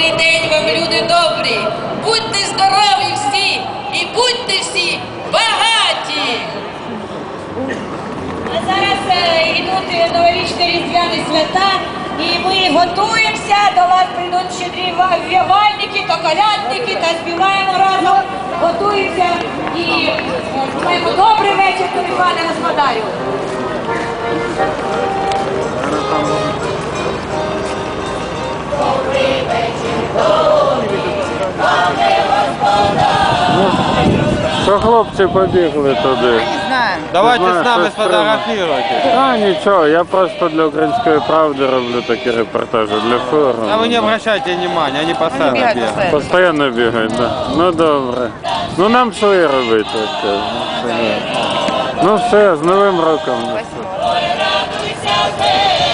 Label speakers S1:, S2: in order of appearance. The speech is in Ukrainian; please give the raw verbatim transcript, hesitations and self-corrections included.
S1: Добрий день вам, люди добрі! Будьте здорові всі і будьте всі багаті!
S2: А зараз е, йдуть новорічні різдвяні свята, і ми готуємося, до вас прийдуть щедрі вівальники та колядники, та співаємо разом, готуємося і е, маємо добрий вечір тобі, пане господарю. Добрий вечір, добрий, пане господарю.
S3: Що хлопці побігли туди?
S4: Давайте
S3: Знаю,
S4: с нами
S3: щось
S4: сфотографируйтесь.
S3: А нічого, я просто для «Української правди» роблю такі репортажі, для форуму.
S4: А вы не обращайте внимания, они постоянно бегают.
S3: Постоянно бігають, да. Ну добре. Ну нам своє робити, як кажуть. Ну все, з Новим роком.
S2: Радуйся,